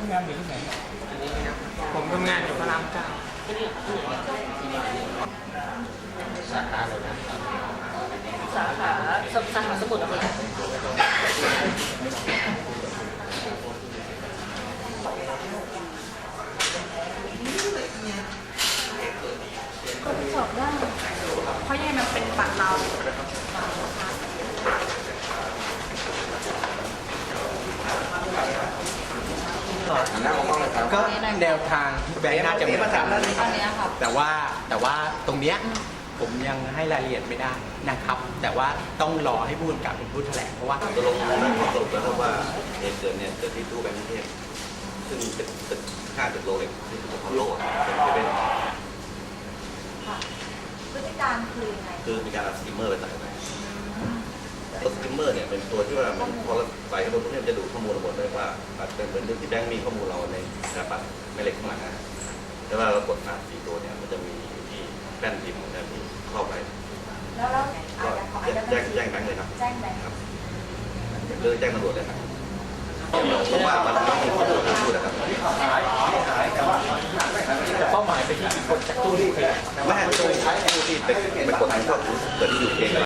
ำงานอยู่ที่ไหนผมทำงานอยู่พระรามเก้าสาขาเลยนะสาขาสมุทรอะไรก็สอบได้เพราะยังไงมันเป็นบัตรเราก็แนวทางแบงค์น่าจะเหมือนกันแต่ว่าตรงเนี้ยผมยังให้รายละเอียดไม่ได้นะครับ แต่ว่าต้องรอให้ผู้กำกับเป็นผู้แถลงเพราะว่าตกลงได้ข้อสรุปแล้วว่าเหตุเกิดเนี่ยเกิดที่ตู้แบงค์กรุงเทพซึ่งเป็นตึก5 ตึกโลเล็กที่ถูกพอลโลเป็นพฤติการคือยังไงคือมีการเอาสกิมเมอร์ไปใส่ไปตัวสกิมเมอร์เนี่ยเป็นตัวที่ว่ามันพอเราใส่เข้าไปเนี่ยจะดูข้อมูลทั้งหมดเลยว่าเป็นเหมือนที่แบงค์มีข้อมูลเราในกระเป๋าไม่เล็กข้างหลังนะแต่ว่าเรากด4 ตัวเนี่ยมันจะมีที่แป้นพิมพ์ของแบงค์ที่เข้าไปแล้วก็แจ้งแบงค์เลยครับแจ้งแบงค์หรือแจ้งตำรวจเลยครับเพราะว่ามันมีข้อมูลพูดนะครับจะเป้าหมายไปที่คนจากตู้ที่ไม่ให้ตู้ที่ไปกดทางพวกเกิดที่อยู่เอง